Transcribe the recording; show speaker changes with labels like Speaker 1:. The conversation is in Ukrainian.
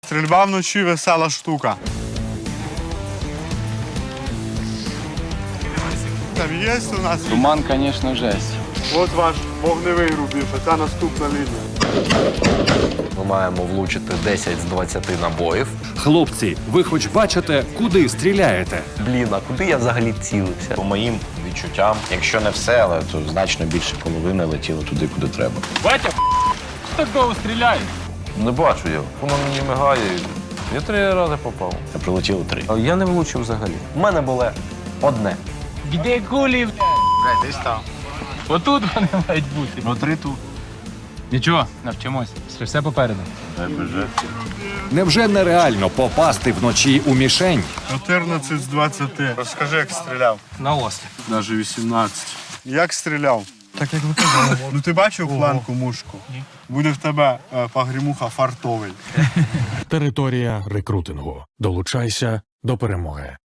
Speaker 1: Стрільба вночі весела штука. Там є у нас?
Speaker 2: Туман, звісно, жесть.
Speaker 1: От ваш вогневий рубіж, а це наступна лінія.
Speaker 3: Ми маємо влучити 10 з 20 набоїв.
Speaker 4: Хлопці, ви хоч бачите, куди стріляєте?
Speaker 3: Блін, а куди я взагалі цілився?
Speaker 5: По моїм відчуттям, якщо не все, але то значно більше половини летіло туди, куди треба.
Speaker 2: Батя, так довго стріляє?
Speaker 3: Не бачу я. Воно мені мигає. Я 3 рази попав.
Speaker 5: А прилетіло 3.
Speaker 3: Я не влучив взагалі. У мене було одне.
Speaker 2: Де кулі,
Speaker 1: Блядь, десь там.
Speaker 2: отут вони мають бути.
Speaker 5: Ну 3 тут.
Speaker 2: Нічого, навчимось. Все попереду.
Speaker 4: Невже нереально попасти вночі у мішень?
Speaker 1: 14 з 20. Розкажи, як стріляв.
Speaker 2: На острів.
Speaker 1: Навіть 18. Як стріляв? Так, як ви казали. Ну ти бачив планку мушку? Буде в тебе погрімуха фартовий.
Speaker 6: Територія рекрутингу. Долучайся до перемоги.